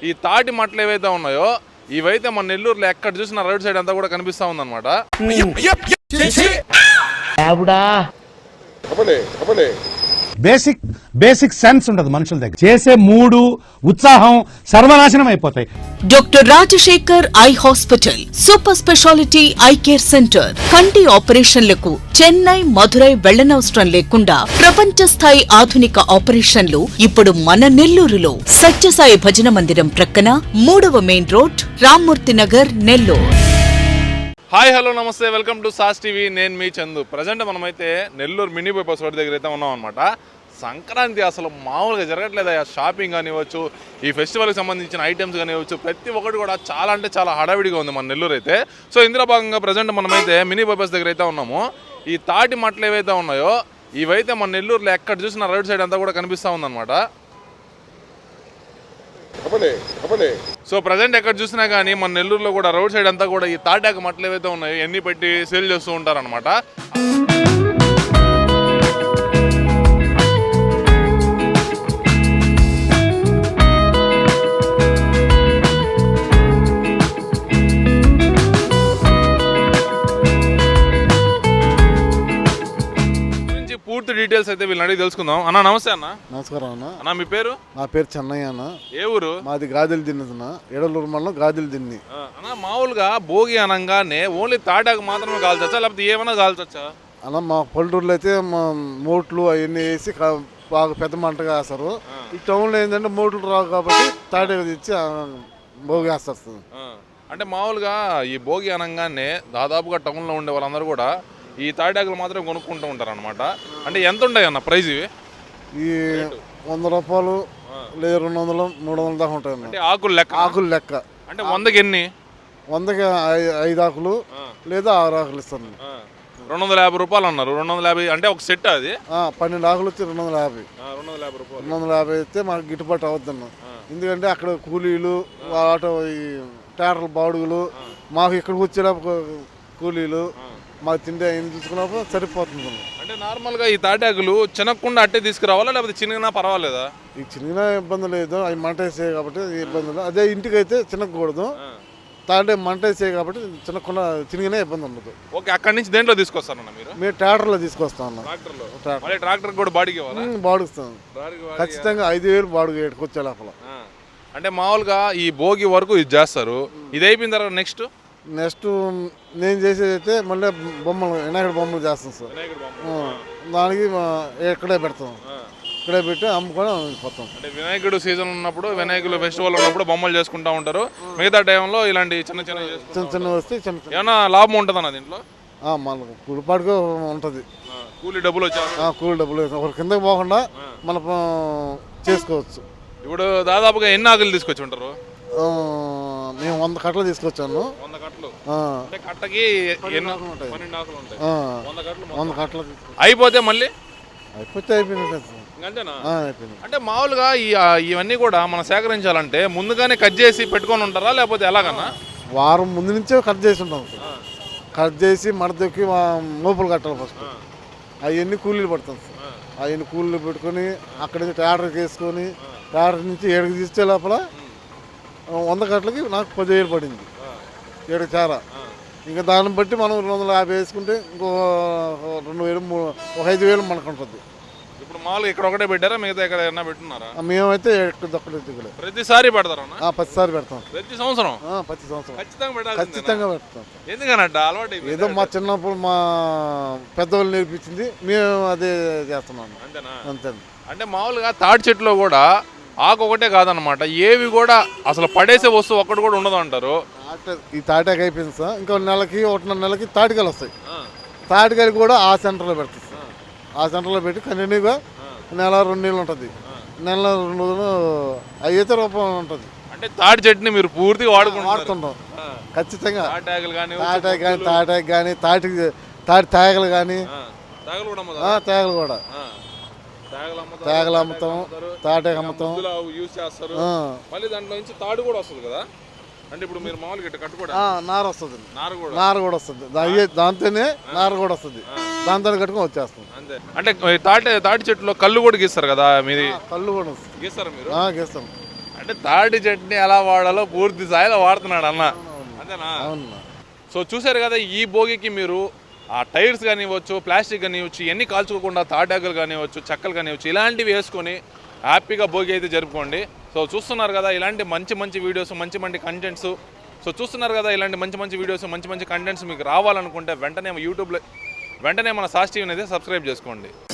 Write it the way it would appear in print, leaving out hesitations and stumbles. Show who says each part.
Speaker 1: ఈ తాటి మట్టలు ఏవైతే ఉన్నాయో ఇవైతే మన నెల్లూరులో ఎక్కడ చూసినా రోడ్ సైడ్ అంతా కూడా కనిపిస్తా ఉందన్నమాట.
Speaker 2: బేసిక్ సెన్స్ ఉండదు మనుషుల దగ్గర. చేసే మూడు ఉత్సాహం సర్వనాశనం అయిపోతాయి.
Speaker 3: Doctor Rajasekhar eye hospital super speciality eye care centre. కంటి ఆపరేషన్లకు చెన్నై, మధురై వెళ్లనవసరం లేకుండా ప్రపంచ స్థాయి ఆధునిక ఆపరేషన్లు ఇప్పుడు మన నెల్లూరులో. సత్యసాయి భజన మందిరం ప్రక్కన 3వ main road, Rammurthy Nagar, Nellore.
Speaker 1: Hi hello నమస్తే, వెల్కమ్ టు సాస్ టీవీ. నేను మీ చందు. ప్రజెంట్ మనమైతే నెల్లూరు మినీ బైపాస్ రోడ్ దగ్గర అయితే ఉన్నాం అనమాట. సంక్రాంతి అసలు మామూలుగా జరగట్లేదు. షాపింగ్ కానివ్వచ్చు, ఈ ఫెస్టివల్కి సంబంధించిన ఐటమ్స్ కానివ్వచ్చు, ప్రతి ఒక్కటి కూడా చాలా అంటే చాలా హడావిడిగా ఉంది మన నెల్లూరు అయితే. సో ఇందులో భాగంగా ప్రజెంట్ మనమైతే మినీ బైపాస్ దగ్గర అయితే ఉన్నాము. ఈ తాటి మట్టలు ఏవైతే ఉన్నాయో ఇవైతే మన నెల్లూరులో ఎక్కడ చూసినా రోడ్ సైడ్ అంతా కూడా కనిపిస్తూ ఉందన్నమాట. సో ప్రజెంట్ ఎక్కడ చూసినా కానీ మన నెల్లూరులో కూడా రోడ్ సైడ్ అంతా కూడా ఈ తాటాకు మట్టలు ఏవైతే ఉన్నాయో ఎన్ని పెట్టి సేల్ చేస్తూ ఉంటారనమాట. పూర్తి డీటెయిల్స్ అయితే వీళ్ళని అడిగి తెలుసుకుందాం. అన్న నమస్తే. అన్న
Speaker 4: నమస్కారం. అన్న
Speaker 1: మీ పేరు?
Speaker 4: నా పేరు చెన్నయ్య అన్న. ఏ ఊరు? మాది గాదిలు దిన్ని అన్న, ఏడలూరు మండలం గాదిలు దిన్ని.
Speaker 1: అన్న మామూలుగా భోగి అనగానే ఓన్లీ తాటాకు మాత్రమే కాల్చొచ్చా లేకపోతే ఏమైనా కాల్చొచ్చా?
Speaker 4: అన్న మా పల్లెటూరులో అయితే మోట్లు అవన్నీ వేసి బాగా పెద్ద మంటగా వేస్తారు. ఈ టౌన్లో ఏంటంటే మోట్లు రావు కాబట్టి తాటాకు తెచ్చి భోగి వేస్తారు.
Speaker 1: అంటే మామూలుగా ఈ భోగి అనగానే దాదాపుగా టౌన్లో ఉండే వాళ్ళందరూ కూడా ఈ తాటాకులు మాత్రమే కొనుక్కుంటూ ఉంటారు అనమాట. అంటే ఎంత ఉంటాయి అన్న ప్రైజ్ ఇవి?
Speaker 4: ఈ 100 రూపాయలు లేదా 200, 300 దాకా ఉంటాయి.
Speaker 1: అంటే ఆకులు లెక్క?
Speaker 4: ఆకులు లెక్క.
Speaker 1: అంటే 100కి ఎన్ని?
Speaker 4: 100కి 5 ఆకులు లేదా 6 ఆకులు ఇస్తాను.
Speaker 1: 250 రూపాయలు అన్నారు. 250 అంటే ఒక సెట్ అది
Speaker 4: 12 ఆకులు వచ్చి 250. 250 అయితే మాకు గిట్టుబాటు అవుద్దన్న. ఎందుకంటే అక్కడ కూలీలు, ఆటో, ఈ ట్రాక్టర్ల బాడుగులు, మాకు ఇక్కడికి వచ్చేలా కూలీలు, మాకు తిండి అయింది చూసుకున్నప్పుడు సరిపోతుంది.
Speaker 1: అంటే నార్మల్గా ఈ తాటాకులు చిన్నకుండా అట్టే తీసుకురావాలా లేకపోతే చిన్నగా పర్వాలేదా?
Speaker 4: ఈ చిన్న ఇబ్బంది లేదు, అవి మంట వేసాయి కాబట్టి ఇబ్బంది లేదు. అదే ఇంటికి అయితే చిన్నకూడదు, తాటే మంట వేసాయి కాబట్టి చిన్నకుండా చిన్నగానే ఇబ్బంది ఉండదు.
Speaker 1: ఓకే, అక్కడి నుంచి దేంట్లో తీసుకొస్తారన్న మీరు?
Speaker 4: మేము ట్రాక్టర్లో తీసుకొస్తాం.
Speaker 1: ట్రాక్టర్ కూడా
Speaker 4: బాడుగుస్తాం ఖచ్చితంగా 5,000 బాడుగు ఏడుకొచ్చే లోపల.
Speaker 1: అంటే మామూలుగా ఈ భోగి వరకు ఇది చేస్తారు. ఇది అయిపోయిన తర్వాత నెక్స్ట్
Speaker 4: నేను చేసేది అయితే మళ్ళీ బొమ్మలు, వినాయకుడు బొమ్మలు చేస్తాం సార్. దానికి ఇక్కడే పెడతాం, ఇక్కడే పెట్టి అమ్ముకొని పోతాం.
Speaker 1: అంటే వినాయకుడు సీజన్ ఉన్నప్పుడు, వినాయకుడు ఫెస్టివల్ ఉన్నప్పుడు బొమ్మలు చేసుకుంటూ ఉంటారు. మిగతా టైంలో ఇలాంటి చిన్న
Speaker 4: చిన్న వస్తే
Speaker 1: ఏమన్నా లాభం ఉంటుంది అన్న దీంట్లో?
Speaker 4: మనకు కూలిపాటుగా ఉంటుంది.
Speaker 1: కూలీ డబ్బులు వచ్చా?
Speaker 4: కూలీ డబ్బులు ఒకరి కిందకి పోకుండా మనం చేసుకోవచ్చు.
Speaker 1: ఇప్పుడు దాదాపుగా ఎన్ని ఆకులు తీసుకొచ్చి ఉంటారు?
Speaker 4: మేము 100 కట్టలు తీసుకొచ్చాను.
Speaker 1: 100 కట్టలు?
Speaker 4: అంటే
Speaker 1: కట్టకి
Speaker 4: 12 ఆకులు ఉంటాయి. 100 కట్టలు
Speaker 1: అయిపోతే మళ్ళీ
Speaker 4: అయిపోయింది.
Speaker 1: అంటే మామూలుగా ఇవన్నీ కూడా మనం సేకరించాలంటే ముందుగానే కట్ చేసి పెట్టుకొని ఉంటారా లేకపోతే ఎలాగన్నా?
Speaker 4: వారం ముందు నుంచే కట్ చేసి ఉంటాం. కట్ చేసి మడతకి మోపులు కట్టాలి ఫస్ట్. అవన్నీ కూలీలు పడతాం సార్. అవన్నీ కూలీలు పెట్టుకొని అక్కడి నుంచి ట్రాక్టర్కి వేసుకొని ట్రాక్టర్ నుంచి 7కి తీసుకే లోపల 100 కట్టలకి నాకు 10,000 పడింది. 7 చారా. ఇంకా దాన్ని బట్టి మనం 250 వేసుకుంటే ఇంకో 2,000, 5,000 మనకు ఉంటుంది.
Speaker 1: ఇప్పుడు మామూలుగా ఇక్కడ ఒకటే పెట్టారా మిగతా ఎక్కడ ఏమైనా పెట్టున్నారా?
Speaker 4: మేమైతే ఇక్కడ
Speaker 1: ప్రతిసారి పెడతారా?
Speaker 4: ప్రతిసారి పెడతాం.
Speaker 1: ప్రతి సంవత్సరం?
Speaker 4: ప్రతి సంవత్సరం
Speaker 1: ఖచ్చితంగా
Speaker 4: పెడతాం.
Speaker 1: ఎందుకన్నట్టు అలవాటు
Speaker 4: ఏదో మా చిన్నప్పుడు మా పెద్దవాళ్ళు నేర్పించింది, మేము అదే చేస్తున్నాం. అంతే.
Speaker 1: అంటే మామూలుగా తాటి చెట్టులో కూడా ఆకు ఒకటే కాదనమాట, ఏవి కూడా అసలు పడేసే వస్తువు ఒక్కటి కూడా ఉండదు అంటారు.
Speaker 4: ఈ తాటాకు అయిపోయింది సార్, ఇంకో నెలకి 1.5 నెలకి తాటికాయలు వస్తాయి. తాటికాయలు కూడా ఆ సెంటర్లో పెడతాయి సార్. ఆ సెంటర్లో పెట్టి కంటిన్యూగా 1-2 నెలలు ఉంటుంది. 2 రోజులు అయితే రూపాయలు ఉంటుంది.
Speaker 1: అంటే తాటి చెట్టుని మీరు పూర్తిగా వాడుతుంటాం
Speaker 4: ఖచ్చితంగా.
Speaker 1: తాటాకులు కానీ,
Speaker 4: తాటాకు కానీ, తాటి తేగలు కానీ, తేగలు కూడా తేగలు అమ్ముతాం, తాటాకు అమ్ముతాం.
Speaker 1: మళ్ళీ దాంట్లో నుంచి తాడు కూడా వస్తుంది కదా? అంటే ఇప్పుడు మీరు మామూలుగా ఇట్లా కట్టుకోవడం
Speaker 4: నార వస్తుంది. నార కూడా వస్తుంది. దాంతోనే నార కూడా వస్తుంది. దాంతో కట్టుకొని వచ్చేస్తుంది.
Speaker 1: అంటే తాటి చెట్టులో కళ్ళు కూడా గీస్తారు కదా? మీది
Speaker 4: కళ్ళు కూడా
Speaker 1: గీస్తారు మీరు?
Speaker 4: గీస్తాం.
Speaker 1: అంటే తాటి చట్నీ ఎలా వాడాలో పూర్తి స్థాయిలో వాడుతున్నాడు అన్న, అంతేనా?
Speaker 4: అవును.
Speaker 1: సో చూశారు కదా, ఈ భోగికి మీరు ఆ టైర్స్ కానివ్వచ్చు, ప్లాస్టిక్ కానివ్వచ్చు, ఇవన్నీ కాల్చుకోకుండా తాటాకులు కానివ్వచ్చు, చెక్కలు కానివ్వచ్చు, ఇలాంటివి వేసుకొని హ్యాపీగా భోగి అయితే జరుపుకోండి. సో చూస్తున్నారు కదా ఇలాంటి మంచి మంచి వీడియోస్, మంచి మంచి కంటెంట్స్. సో చూస్తున్నారు కదా ఇలాంటి మంచి మంచి వీడియోస్, మంచి మంచి కంటెంట్స్ మీకు రావాలనుకుంటే వెంటనే యూట్యూబ్లో వెంటనే మన సాస్ టీవీని అయితే సబ్స్క్రైబ్ చేసుకోండి.